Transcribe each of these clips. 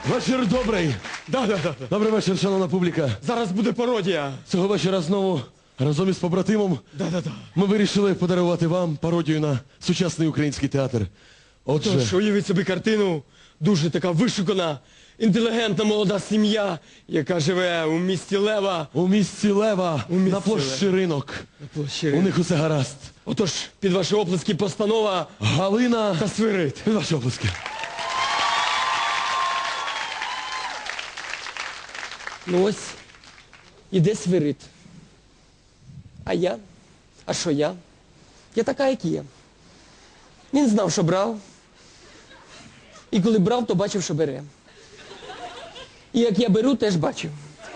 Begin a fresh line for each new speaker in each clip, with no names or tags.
Вечір добрий.
Да.
Добрий вечір, шановна публіка.
Зараз буде пародія.
Цього вечора знову разом із побратимом
Да.
ми вирішили подарувати вам пародію на сучасний український театр. Отже,
Тож, уявіть собі картину, дуже така вишукана, інтелігентна молода сім'я, яка живе у місті Лева.
у місті Лева,
У місті
на площі Ринок.
На площі.
У них усе гаразд.
Отож, під ваші оплески постанова
Галина
та Свирид.
Під ваші оплески.
Ну ось, іде Свирид. А я? А що я? Я така, як є. Він знав, що брав. І коли брав, то бачив, що бере. І як я беру, теж бачив.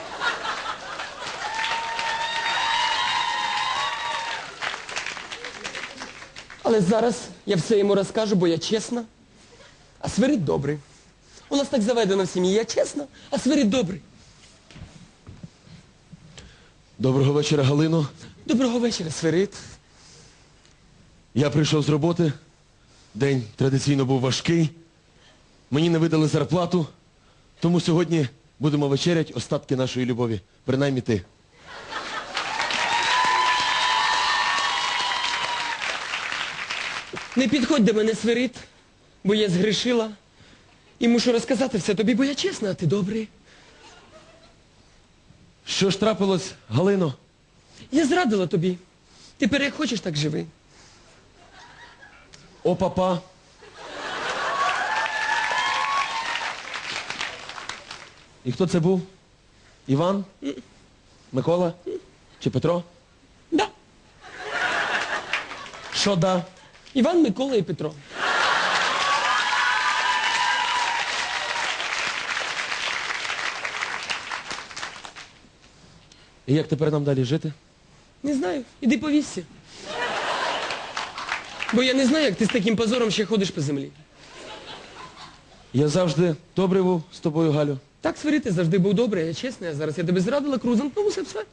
Але зараз я все йому розкажу, бо я чесна, а Свирид добрий. У нас так заведено в сім'ї. Я чесна, а Свирид добрий.
Доброго вечора, Галино.
Доброго вечора, Свирид.
Я прийшов з роботи. День традиційно був важкий. Мені не видали зарплату. Тому сьогодні будемо вечерять остатки нашої любові. Принаймні ти.
Не підходь до мене, Свирид, бо я згрішила. І мушу розказати все тобі, бо я чесна, а ти добрий.
Що ж трапилось, Галино?
Я зрадила тобі. Тепер як хочеш, так живи.
О, папа. І хто це був? Іван? Микола? Чи Петро?
Да.
Що да?
Іван, Микола і Петро.
І як тепер нам далі жити?
Не знаю, іди повісся. Бо я не знаю, як ти з таким позором ще ходиш по землі.
Я завжди добрий був з тобою, Галю.
Так, Свирид, ти завжди був добрий, я чесна, а зараз я тебе зрадила, крузанкнув, все.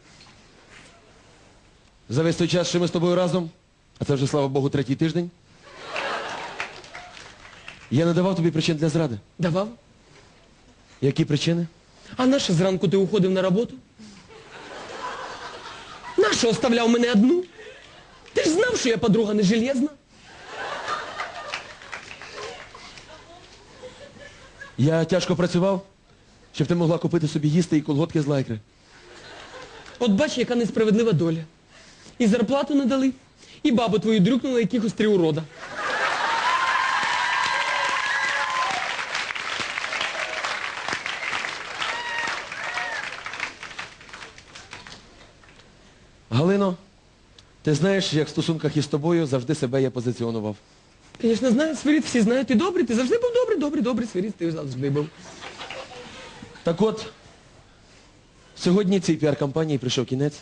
За весь той час, що ми з тобою разом, а це вже, слава Богу, третій тиждень, я не давав тобі причин для зради.
Давав.
Які причини?
А нащо зранку ти уходив на роботу? Нащо оставляв мене одну? Ти ж знав, що я подруга не железна.
Я тяжко працював, щоб ти могла купити собі їсти і колготки з лайкри.
От бач, яка несправедлива доля. І зарплату не дали, і бабу твою дрюкнула якихось 3 урода.
Галино, ти знаєш, як в стосунках із тобою завжди себе я позиціонував.
Звісно, знаю, Свирид, всі знають, ти добрий, ти завжди був добрий, Свирид, ти завжди був.
Так от, сьогодні цій піар-кампанії прийшов кінець.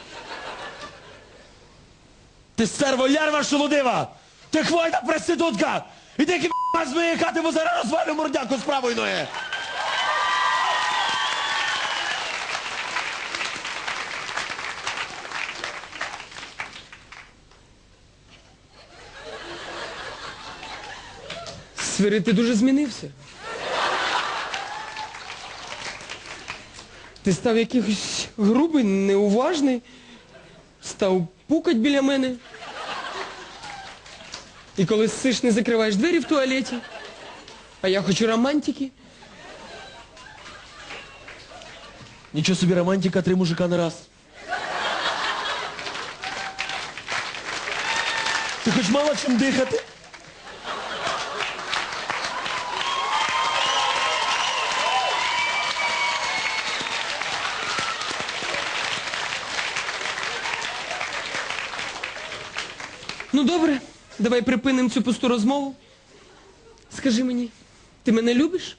Ти стерво-лярва шолудива! Ти хвойна проститутка! Іди з моєї хати, бо зараз розвалю мордяку з правої ноги!
Свирид, ти дуже змінився. Ти став якийсь грубий, неуважний, став пукать біля мене. І коли ссиш, не закриваєш двері в туалеті. А я хочу романтики.
Нічого собі романтика, 3 мужика на раз. Ти хоч мала чим дихати?
Ну добре, давай припинимо цю пусту розмову. Скажи мені, ти мене любиш?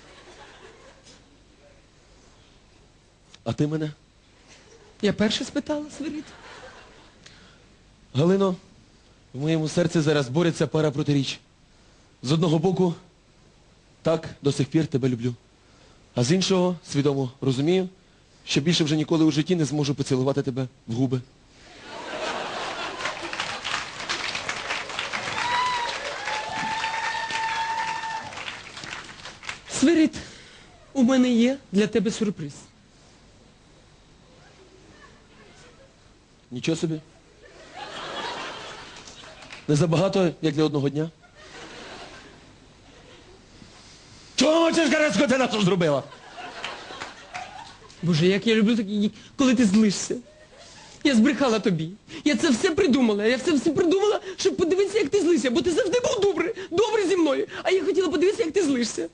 А ти мене?
Я перша спитала, Свирид.
Галино, в моєму серці зараз бореться пара протиріч. З одного боку, так, до сих пір тебе люблю. А з іншого, свідомо розумію, що більше вже ніколи у житті не зможу поцілувати тебе в губи.
Свирид, У мене є для тебе сюрприз.
Нічого собі. Не забагато, як для одного дня. Чого мовчиш, Гарецько, ти на це зробила?
Боже, як я люблю такі, коли ти злишся. Я збрехала тобі. Я це все придумала. Я це все придумала, щоб подивитися, як ти злишся. Бо ти завжди був добрий зі мною. А я хотіла подивитися, як ти злишся.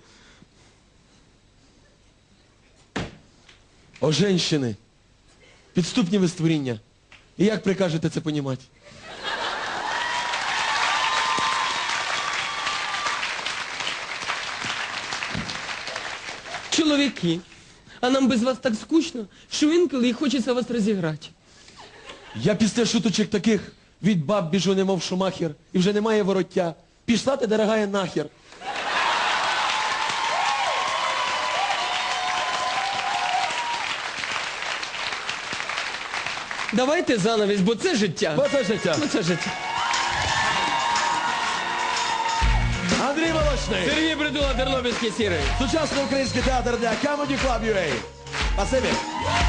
О, женщини, підступні ви створіння. І як прикажете це понімати?
Чоловіки, а нам без вас так скучно, що інколи і хочеться вас розіграти.
Я після шуточок таких від баб біжу, немов шумахер, і вже немає вороття. Пішла ти, дорогая, нахер.
Давайте занавість, бо це життя.
Бо це життя.
Бо це життя.
Андрій Волочний.
Сергій Притула, Тернопільський сірий.
Сучасний український театр для Comedy Club UA. Спасибі.